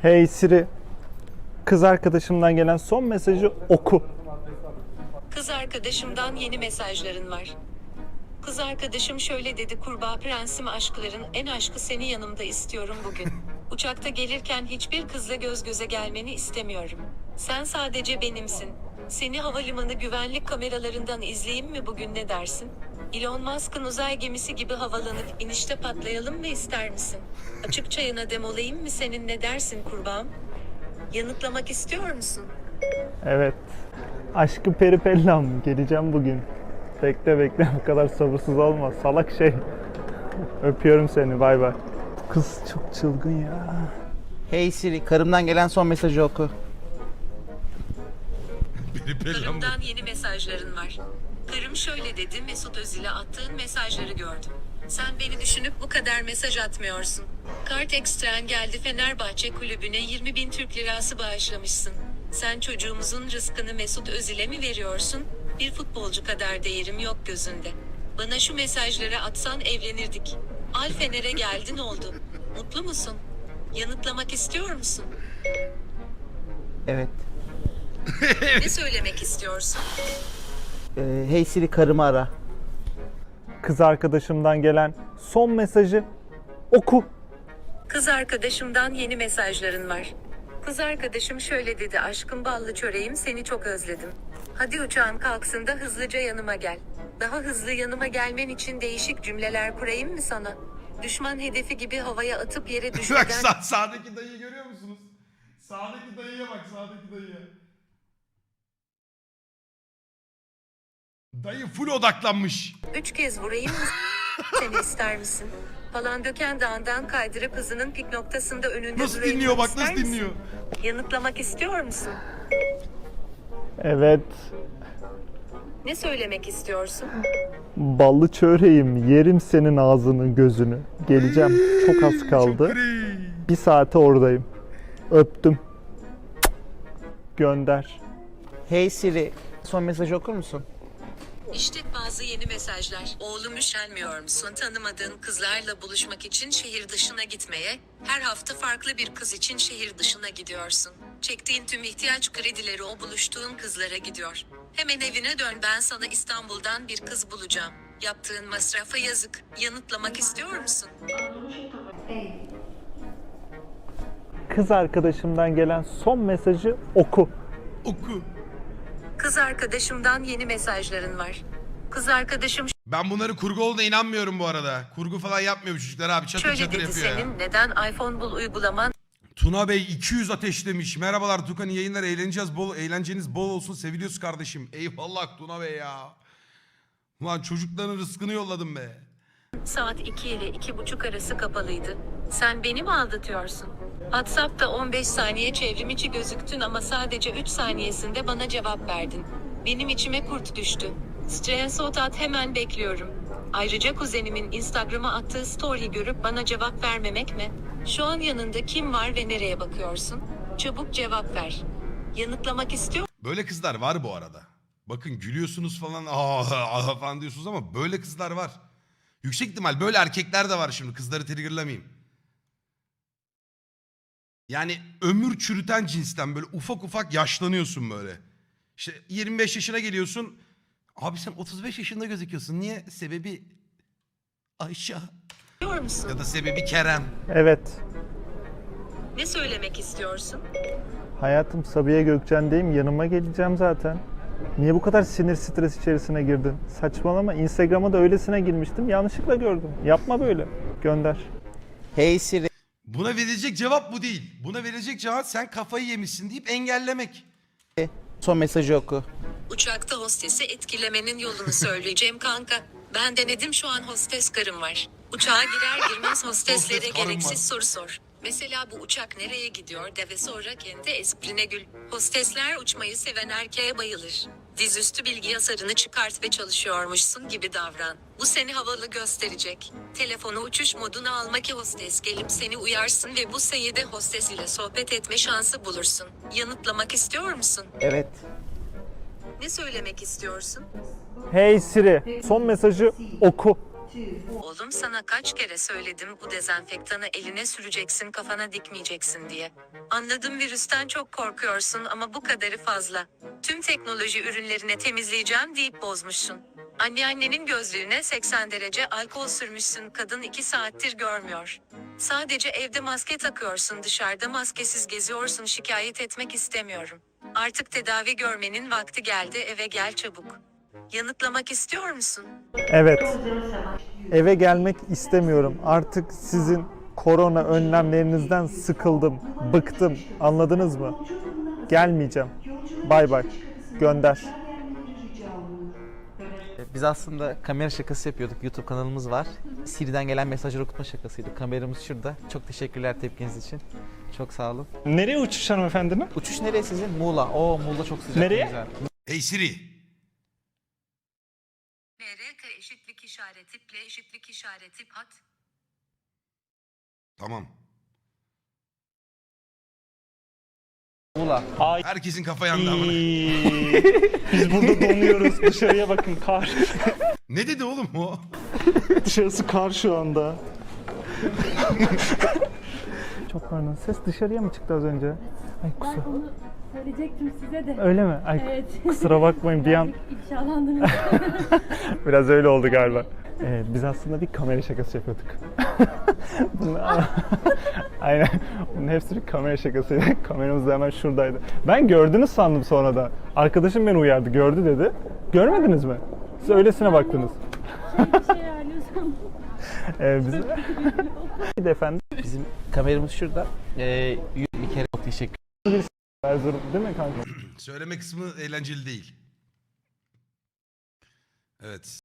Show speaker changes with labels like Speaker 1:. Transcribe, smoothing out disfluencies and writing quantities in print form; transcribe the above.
Speaker 1: Hey Siri, kız arkadaşımdan gelen son mesajı oku.
Speaker 2: Kız arkadaşımdan yeni mesajların var. Kız arkadaşım şöyle dedi: kurbağa prensim, aşkların en aşkı seni yanımda istiyorum bugün. Uçakta gelirken hiçbir kızla göz göze gelmeni istemiyorum. Sen sadece benimsin. Seni havalimanı güvenlik kameralarından izleyeyim mi bugün, ne dersin? Elon Musk'ın uzay gemisi gibi havalanıp inişte patlayalım mı, ister misin? Açık çayına dem olayım mı senin, ne dersin kurbağam? Yanıtlamak istiyor musun?
Speaker 1: Evet. Aşkı peripellam, geleceğim bugün. Bekle bu kadar sabırsız olma salak şey. Öpüyorum seni, bay bay. Bu kız çok çılgın ya.
Speaker 3: Hey Siri, karımdan gelen son mesajı oku.
Speaker 2: Karımdan yeni mesajların var. Karım şöyle dedi: Mesut Özil'e attığın mesajları gördüm. Sen beni düşünüp bu kadar mesaj atmıyorsun. Kart ekstren geldi, Fenerbahçe kulübüne 20.000 Türk lirası bağışlamışsın. Sen çocuğumuzun rızkını Mesut Özil'e mi veriyorsun? Bir futbolcu kadar değerim yok gözünde. Bana şu mesajları atsan evlenirdik. Al Fener'e geldin, oldu. Mutlu musun? Yanıtlamak istiyor musun?
Speaker 3: Evet.
Speaker 2: Ne söylemek istiyorsun?
Speaker 3: Hey Siri, karımı ara.
Speaker 1: Kız arkadaşımdan gelen son mesajı oku.
Speaker 2: Kız arkadaşımdan yeni mesajların var. Kız arkadaşım şöyle dedi: aşkım ballı çöreğim, seni çok özledim. Hadi uçağın kalksın da hızlıca yanıma gel. Daha hızlı yanıma gelmen için değişik cümleler kurayım mı sana? Düşman hedefi gibi havaya atıp yere
Speaker 4: Bak
Speaker 2: düşürden...
Speaker 4: sağdaki dayıyı görüyor musunuz? Sağdaki dayıya bak, sağdaki dayıya. Dayı full odaklanmış.
Speaker 2: 3 kez vurayım mı seni, ister misin? Falan döken dağından kaydırıp hızının pik noktasında önünde
Speaker 4: Nasıl
Speaker 2: durayım
Speaker 4: dinliyor
Speaker 2: mı,
Speaker 4: bak,
Speaker 2: ister
Speaker 4: nasıl
Speaker 2: misin?
Speaker 4: dinliyor.
Speaker 2: Yanıtlamak istiyor musun?
Speaker 1: Evet.
Speaker 2: Ne söylemek istiyorsun?
Speaker 1: Ballı çöreğim, yerim senin ağzını gözünü. Geleceğim, çok az kaldı.
Speaker 4: Çok iyi.
Speaker 1: Bir saate oradayım. Öptüm. Gönder.
Speaker 3: Hey Siri, son mesajı okur musun?
Speaker 2: İşte bazı yeni mesajlar. Oğlum, üşenmiyor musun tanımadığın kızlarla buluşmak için şehir dışına gitmeye? Her hafta farklı bir kız için şehir dışına gidiyorsun. Çektiğin tüm ihtiyaç kredileri o buluştuğun kızlara gidiyor. Hemen evine dön, ben sana İstanbul'dan bir kız bulacağım. Yaptığın masrafa yazık. Yanıtlamak istiyor musun?
Speaker 1: Kız arkadaşımdan gelen son mesajı oku.
Speaker 4: Oku.
Speaker 2: Kız arkadaşımdan yeni mesajların var. Kız arkadaşım
Speaker 4: Ben bunları kurgu olduğuna inanmıyorum bu arada. Kurgu falan yapmıyor bu çocuklar abi. Çatır
Speaker 2: şöyle
Speaker 4: çatır
Speaker 2: dedi:
Speaker 4: yapıyor ya.
Speaker 2: senin neden iPhone bul uygulaman
Speaker 4: Tuna Bey 200 ateşlemiş. Merhabalar Tukan, iyi yayınlar, eğlenceniz bol olsun, seviliyoruz kardeşim. Eyvallah Tuna Bey ya. Ulan çocukların rızkını yolladım be.
Speaker 2: saat 2 ile 2:30 arası kapalıydı. Sen beni mi aldatıyorsun? WhatsApp'ta 15 saniye çevrim içi gözüktün ama sadece 3 saniyesinde bana cevap verdin. Benim içime kurt düştü. Screenshot at, hemen bekliyorum. Ayrıca kuzenimin Instagram'a attığı story görüp bana cevap vermemek mi? Şu an yanında kim var ve nereye bakıyorsun? Çabuk cevap ver. Yanıtlamak istiyor
Speaker 4: Böyle kızlar var bu arada. Bakın gülüyorsunuz falan falan diyorsunuz ama böyle kızlar var. Yüksek ihtimal böyle erkekler de var şimdi, kızları triggerlamayayım. Yani ömür çürüten cinsten, böyle ufak ufak yaşlanıyorsun böyle. İşte 25 yaşına geliyorsun. Abi sen 35 yaşında gözüküyorsun. Niye? Sebebi Ayşe
Speaker 2: musun?
Speaker 4: ya da sebebi Kerem.
Speaker 1: Evet.
Speaker 2: Ne söylemek istiyorsun?
Speaker 1: Hayatım, Sabiha Gökçen'deyim. Yanıma geleceğim zaten. Niye bu kadar sinir stres içerisine girdin? Saçmalama. Instagram'a da öylesine girmiştim. Yanlışlıkla gördüm. Yapma böyle. Gönder.
Speaker 3: Hey Siri,
Speaker 4: Buna verilecek cevap bu değil. Buna verilecek cevap sen kafayı yemişsin deyip engellemek.
Speaker 3: son mesajı oku.
Speaker 2: Uçakta hostesi etkilemenin yolunu söyleyeceğim kanka. Ben denedim, şu an hostes karım var. Uçağa girer girmez hosteslere
Speaker 4: Hostes karım
Speaker 2: gereksiz
Speaker 4: var.
Speaker 2: soru sor. Mesela bu uçak nereye gidiyor de ve sonra kendi esprine gül. Hostesler uçmayı seven erkeğe bayılır. Dizüstü bilgi yasarını çıkart ve çalışıyormuşsun gibi davran. Bu seni havalı gösterecek. Telefonu uçuş moduna alma ki hostes gelip seni uyarsın ve bu sayede hostes ile sohbet etme şansı bulursun. Yanıtlamak istiyor musun?
Speaker 3: Evet.
Speaker 2: Ne söylemek istiyorsun?
Speaker 1: Hey Siri, son mesajı oku.
Speaker 2: Oğlum sana kaç kere söyledim bu dezenfektanı eline süreceksin kafana dikmeyeceksin diye. Anladım virüsten çok korkuyorsun ama bu kadarı fazla. Tüm teknoloji ürünlerine temizleyeceğim deyip bozmuşsun. Anneannenin gözlüğüne 80 derece alkol sürmüşsün kadın 2 saattir görmüyor. Sadece evde maske takıyorsun dışarıda maskesiz geziyorsun şikayet etmek istemiyorum. Artık tedavi görmenin vakti geldi eve gel çabuk. Yanıtlamak istiyor musun?
Speaker 1: Evet. Eve gelmek istemiyorum. Artık sizin korona önlemlerinizden sıkıldım, bıktım. Anladınız mı? Gelmeyeceğim. Bay bay. Gönder.
Speaker 3: Biz aslında kamera şakası yapıyorduk. YouTube kanalımız var. Siri'den gelen mesajları okutma şakasıydı. Kameramız şurada. Çok teşekkürler tepkiniz için. Çok sağ olun.
Speaker 1: Nereye uçuş hanımefendinin?
Speaker 3: Uçuş nereye sizin? Muğla. Oo Muğla çok sıcak.
Speaker 1: Nereye?
Speaker 3: Güzel.
Speaker 4: Hey Siri.
Speaker 2: MRK eşitlik işareti ple eşitlik işareti pat.
Speaker 4: Tamam.
Speaker 3: Muğla.
Speaker 1: Ay.
Speaker 4: Herkesin kafa yandı amına.
Speaker 1: Biz burada donuyoruz. Dışarıya bakın kar.
Speaker 4: Ne dedi oğlum o?
Speaker 1: Dışarısı kar şu anda. Çok pardon. Ses dışarıya mı çıktı az önce? Ay
Speaker 5: Ben
Speaker 1: kusura.
Speaker 5: onu söyleyecektim size de.
Speaker 1: Öyle mi? Ay
Speaker 5: Evet.
Speaker 1: kusura bakmayın bir an
Speaker 5: Birazcık ifşalandınız.
Speaker 1: biraz öyle oldu galiba. Biz aslında bir kamera şakası yapıyorduk. Aynen. Bunun hepsi bir kamera şakasıydı. Kameramız da hemen şuradaydı. Ben gördünüz sandım sonra da. Arkadaşım beni uyardı. Gördü dedi. Görmediniz mi? Siz öylesine baktınız.
Speaker 5: Bir şey ayarlıyorsam.
Speaker 1: Biz... Bir de efendim.
Speaker 3: Bizim kameramız şurada. Bir kere çok teşekkür
Speaker 1: Erzurum değil mi kanka?
Speaker 4: Söyleme kısmı eğlenceli değil. Evet.